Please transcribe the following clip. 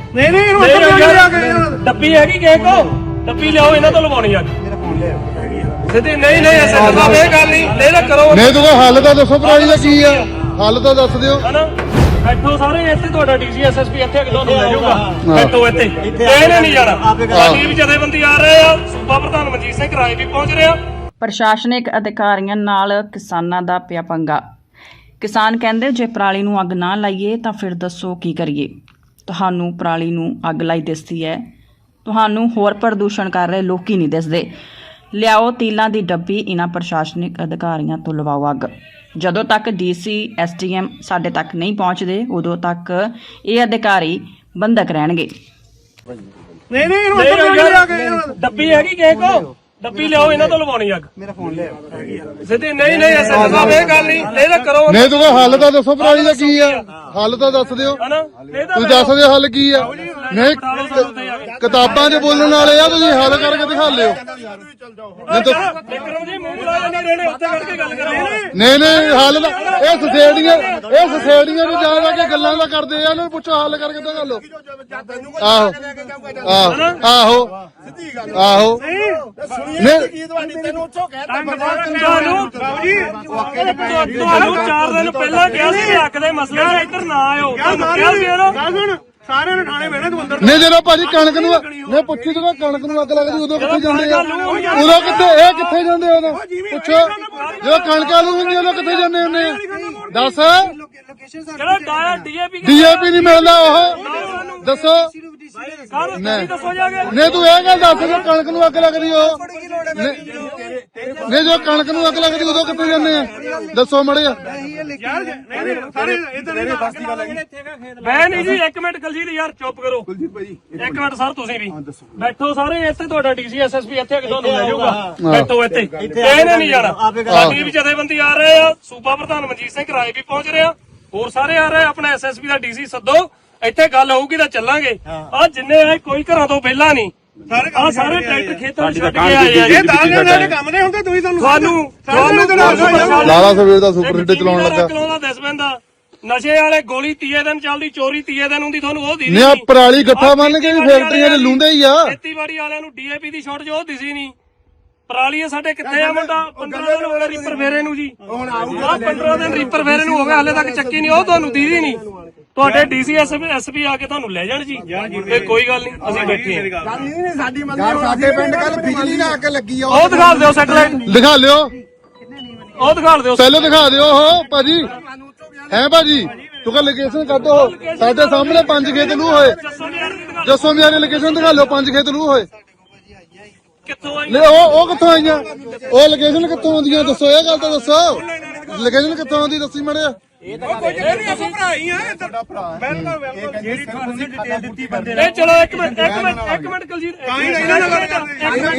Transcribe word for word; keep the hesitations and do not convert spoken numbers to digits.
ਨਹੀਂ ਨਹੀਂ ਡੱਬੀ ਹੈਗੀ ਕਿਸੇ ਕੋ ਡੱਬੀ ਲਿਆਓ ਇਹਨਾਂ ਤੋਂ ਲਵਾਉਣੀ ਆ ਮੇਰਾ ਫੋਨ ਲਿਆਓ ਸਿੱਧੀ ਨਹੀਂ ਨਹੀਂ ਐਸਾ ਸਾਹਿਬ ਇਹ ਗੱਲ ਨਹੀਂ ਲੈ ਲੈ ਕਰੋ ਨਹੀਂ ਤੂੰ ਹੱਲ ਤਾਂ ਦੱਸੋ ਭਰਾ ਜੀ ਦਾ ਕੀ ਆ ਹੱਲ ਤਾਂ ਦੱਸ ਦਿਓ ਹਨਾ ਬੈਠੋ ਸਾਰੇ ਇੱਥੇ ਤੁਹਾਡਾ ਡੀਸੀ ਐਸਐਸਪੀ ਇੱਥੇ ਕਿਦੋਂ ਨੂੰ ਲੈ ਜਾਊਗਾ ਬੈਠੋ ਇੱਥੇ ਇਹਨੇ ਨਹੀਂ ਜਾਣਾ ਸਾਡੀ ਵੀ ਜਥੇਬੰਦੀ ਆ ਰਹੇ ਆ ਸੂਬਾ ਪ੍ਰਧਾਨ ਮਨਜੀਤ ਸਿੰਘ ਰਾਏ ਵੀ ਪਹੁੰਚ ਰਿਹਾ। ਪ੍ਰਸ਼ਾਸਨਿਕ ਅਧਿਕਾਰੀਆਂ ਨਾਲ ਕਿਸਾਨਾਂ ਦਾ ਪਿਆ ਪੰਗਾ। ਕਿਸਾਨ ਕਹਿੰਦੇ ਜੇ ਪਰਾਲੀ ਨੂੰ ਅੱਗ ਨਾ ਲਾਈਏ ਤਾਂ ਫਿਰ ਦੱਸੋ ਕੀ ਕਰੀਏ। ਤੁਹਾਨੂੰ ਪਰਾਲੀ ਨੂੰ ਅੱਗ ਲਾਈ ਦਿਸਦੀ ਹੈ, ਤੁਹਾਨੂੰ ਹੋਰ ਪ੍ਰਦੂਸ਼ਣ ਕਰ ਰਹੇ ਲੋਕੀ ਨਹੀਂ ਦਿਸਦੇ। ਲਿਆਓ ਤੀਲਾਂ ਦੀ ਡੱਬੀ ਇਹਨਾਂ ਪ੍ਰਸ਼ਾਸਨਿਕ ਅਧਿਕਾਰੀਆਂ ਤੋਂ ਲਵਾਓ ਅੱਗ। ਜਦੋਂ ਤੱਕ ਡੀਸੀ ਐਸਡੀਐਮ ਸਾਡੇ ਤੱਕ ਨਹੀਂ ਪਹੁੰਚਦੇ ਉਦੋਂ ਤੱਕ ਇਹ ਅਧਿਕਾਰੀ ਬੰਦਕ ਰਹਿਣਗੇ। ਨਹੀਂ ਨਹੀਂ ਡੱਬੀ ਹੈਗੀ ਕਿਸੇ ਕੋ ਡੱਬੀ ਲਿਆਓ ਇਹਨਾਂ ਤੋਂ ਲਵਾਉਣੀ ਅੱਗ ਮੇਰਾ ਫੋਨ ਲਿਆਓ ਸਿੱਧੀ ਨਹੀਂ ਨਹੀਂ ਐਸਾ ਸਾਹਿਬ ਇਹ ਗੱਲ ਨਹੀਂ ਲੈ ਲੈ ਕਰੋ ਨਹੀਂ ਤੂੰ ਹੱਲ ਤਾਂ ਦੱਸੋ ਭਰਾ ਜੀ ਦਾ ਕੀ ਆ ਹੱਲ ਤਾਂ ਦੱਸ ਦਿਓ ਤੁਸੀਂ ਦੱਸ ਦਿਓ ਹੱਲ ਕੀ ਆ। ਨਹੀਂ ਕਿਤਾਬਾਂ 'ਚ ਬੋਲਣ ਵਾਲੇ ਆ ਤੁਸੀਂ ਹੱਲ ਕਰਕੇ ਦਿਖਾ ਲਿਓ। ਨਹੀਂ ਨਹੀਂ ਹੱਲ ਦਾ ਇਹ ਸੋਸਾਇਟੀਆਂ ਇਹ ਸੋਸਾਇਟੀਆਂ ਨੂੰ ਜਾ ਜਾ ਕੇ ਗੱਲਾਂ ਦਾ ਕਰਦੇ ਆ ਇਹਨੂੰ ਪੁੱਛੋ ਹੱਲ ਕਰਕੇ ਦਿਖਾ ਲਓ। ਆਹੋ ਆਹੋ ਆਹੋ ਆਹੋ ਤੁਹਾਨੂੰ ਚਾਰ ਦਿਨ ਪਹਿਲਾਂ ਕਿਹਾ ਸੀ ਹੱਕ ਦੇ ਮਸਲੇ 'ਚ ਇੱਧਰ ਨਾ ਆਇਓ ਤੁਹਾਨੂੰ ਕਿਹਾ ਸੀ ਇਹਨੂੰ ਸਾਰਿਆਂ ਨੇ ਠਾਣੇ ਬਹਿਣਾ ਤੂੰ ਅੰਦਰ ਨਹੀਂ ਜਦੋਂ ਭਾਜੀ ਕਣਕ ਨੂੰ ਨਹੀਂ ਪੁੱਛੀ ਜਦੋਂ ਕਣਕ ਨੂੰ ਅੱਗ ਲੱਗਦੀ ਉਦੋਂ ਕਿੱਥੇ ਜਾਂਦੇ ਆ ਉਦੋਂ ਕਿੱਥੇ ਇਹ ਕਿੱਥੇ ਜਾਂਦੇ ਉਦੋਂ ਪੁੱਛੋ ਜਦੋਂ ਕਣਕਾਂ ਨੂੰ ਹੁੰਦੀ ਉਦੋਂ ਕਿੱਥੇ ਜਾਂਦੇ ਹੁੰਦੇ ਆ ਦੱਸ ਜਿਹੜਾ ਡਾਇਆ ਡੀਏਪੀ ਡੀਏਪੀ ਨਹੀਂ ਮਿਲਦਾ ਉਹ ਦੱਸੋ ਨਹੀਂ ਤੂੰ ਇਹ ਗੱਲ ਦੱਸ ਜੇ ਕਣਕ ਨੂੰ ਅੱਗ ਲੱਗਦੀ ਉਹ ਨਹੀਂ ਜੋ ਕਣਕ ਨੂੰ ਅੱਗ ਲੱਗਦੀ ਉਦੋਂ ਕਿੱਥੇ ਜਾਂਦੇ ਆ ਦੱਸੋ ਮੜਿਆ ਮੈਂ ਨਹੀਂ ਜੀ ਇੱਕ ਮਿੰਟ ਕੁਲਜੀਤ ਯਾਰ ਚੁੱਪ ਕਰੋ ਇੱਕ ਮਿੰਟ ਸਰ ਤੁਸੀਂ ਵੀ ਬੈਠੋ ਸਾਰੇ ਇੱਥੇ ਤੁਹਾਡਾ ਡੀਸੀ ਐਸਐਸਪੀ ਇੱਥੇ ਕਿਦੋਂ ਨੂੰ ਲੈ ਜਾਊਗਾ ਬੈਠੋ ਇੱਥੇ ਇਹਨੇ ਨਹੀਂ ਜਾਣਾ ਸਾਡੀ ਵੀ ਜਥੇਬੰਦੀ ਆ ਰਹੇ ਆ ਸੂਬਾ ਪ੍ਰਧਾਨ ਮਨਜੀਤ ਸਿੰਘ ਰਾਏ ਵੀ ਪਹੁੰਚ ਰਿਹਾ ਹੋਰ ਸਾਰੇ ਆ ਰਹੇ ਆਪਣਾ ਐਸਐਸਪੀ ਦਾ ਡੀਸੀ ਸੱਦੋ ਇੱਥੇ ਗੱਲ ਹੋਊਗੀ ਤਾਂ ਚੱਲਾਂਗੇ ਆ ਜਿੰਨੇ ਆਏ ਕੋਈ ਘਰਾਂ ਤੋਂ ਪਹਿਲਾਂ ਨਹੀਂ ਆ ਸਾਰੇ ਟਰੈਕਟਰ ਖੇਤਾਂ ਛੱਡ ਕੇ ਆਏ ਆ ਇਹ ਦਾਲ ਦੇ ਕੰਮ ਨਹੀਂ ਹੁੰਦੇ ਤੁਸੀਂ ਤੁਹਾਨੂੰ ਤੁਹਾਨੂੰ ਲਾਲਾ ਸਵੇਰ ਦਾ ਸੁਪਰ ਹਿੱਟ ਚਲਾਉਣ ਲੱਗਾ ਚਲਾਉਂਦਾ ਦਸ ਬੰਦਾ ਨਸ਼ੇ ਵਾਲੇ ਗੋਲੀ ਤੀਏ ਦਿਨ ਚੱਲਦੀ ਚੋਰੀ ਤੀਏ ਦਿਨ ਹੁੰਦੀ ਤੁਹਾਨੂੰ ਉਹ ਦਿਸੀ ਨਹੀਂ ਆ ਪਰਾਲੀ ਗੱਠਾ ਮੰਨ ਕੇ ਫੈਕਟਰੀਆਂ ਦੇ ਲੁੰਦੇ ਹੀ ਆ ਖੇਤੀਬਾੜੀ ਵਾਲਿਆਂ ਨੂੰ ਡੀਏਪੀ ਦੀ ਸ਼ਾਰਟ ਜੋ ਦਿਸੀ ਨਹੀਂ ਪਰਾਲੀ ਸਾਡੇ ਕਿੱਥੇ ਆ ਮੁੰਡਾ ਪੰਦਰਾਂ ਦਿਨ ਹੋ ਗਏ ਰੀਪਰ ਫੇਰੇ ਨੂੰ ਜੀ ਹੁਣ ਆਊਗਾ ਪੰਦਰਾਂ ਦਿਨ ਰੀਪਰ ਫੇਰੇ ਨੂੰ ਹੋ ਗਿਆ ਹਲੇ ਤੱਕ ਚੱਕੀ ਨਹੀਂ ਉਹ ਤੁਹਾਨੂੰ ਦੀਦੀ ਨਹੀਂ ਤੁਹਾਡੇ ਡੀਸੀ ਐਸਪੀ ਆ ਕੇ ਤੁਹਾਨੂੰ ਲੈ ਜਾਣ ਜੀ ਇਹ ਕੋਈ ਗੱਲ ਨਹੀਂ ਅਸੀਂ ਬੈਠੇ ਹਾਂ ਗੱਲ ਨਹੀਂ ਸਾਡੀ ਮੰਨ ਸਾਡੇ ਪਿੰਡ ਕੱਲ ਬਿਜਲੀ ਨਾ ਅੱਗ ਲੱਗੀ ਆ ਉਹ ਦਿਖਾ ਦਿਓ ਸੈਟਲਾਈਟ ਦਿਖਾ ਲਿਓ ਉਹ ਦਿਖਾ ਦਿਓ ਪਹਿਲਾਂ ਦਿਖਾ ਦਿਓ ਉਹ ਭਾਜੀ ਹੈ ਭਾਜੀ ਤੂੰ ਕਹ ਲੋਕੇਸ਼ਨ ਕੱਢੋ ਸਾਡੇ ਸਾਹਮਣੇ ਪੰਜ ਖੇਤ ਲੂ ਹੋਏ ਜੱਸੋ ਮਿਆਰੀ ਲੋਕੇਸ਼ਨ ਦਿਖਾ ਲਿਓ ਪੰਜ ਖੇਤ ਲੂ ਹੋਏ ਕਿੱਥੋਂ ਆਈ ਲੈ ਉਹ ਉਹ ਕਿੱਥੋਂ ਆਈਆਂ ਉਹ ਲੋਕੇਸ਼ਨ ਕਿੱਥੋਂ ਆਉਂਦੀਆਂ ਦੱਸੋ ਇਹ ਗੱਲ ਤਾਂ ਦੱਸੋ ਲੋਕੇਸ਼ਨ ਕਿੱਥੋਂ ਆਉਂਦੀ ਦੱਸੀ ਮੜਿਆ ਇਹ ਭਰਾ ਹੀ ਆ ਤੁਹਾਡਾ ਭਰਾ ਬਿਲਕੁਲ ਜਿਹੜੀ ਤੁਹਾਨੂੰ ਡਿਟੇਲ ਦਿੱਤੀ ਬੰਦੇ ਨੇ ਚਲੋ ਇੱਕ ਮਿੰਟ ਇੱਕ ਮਿੰਟ ਇੱਕ ਮਿੰਟ ਕੁਲਜੀਤ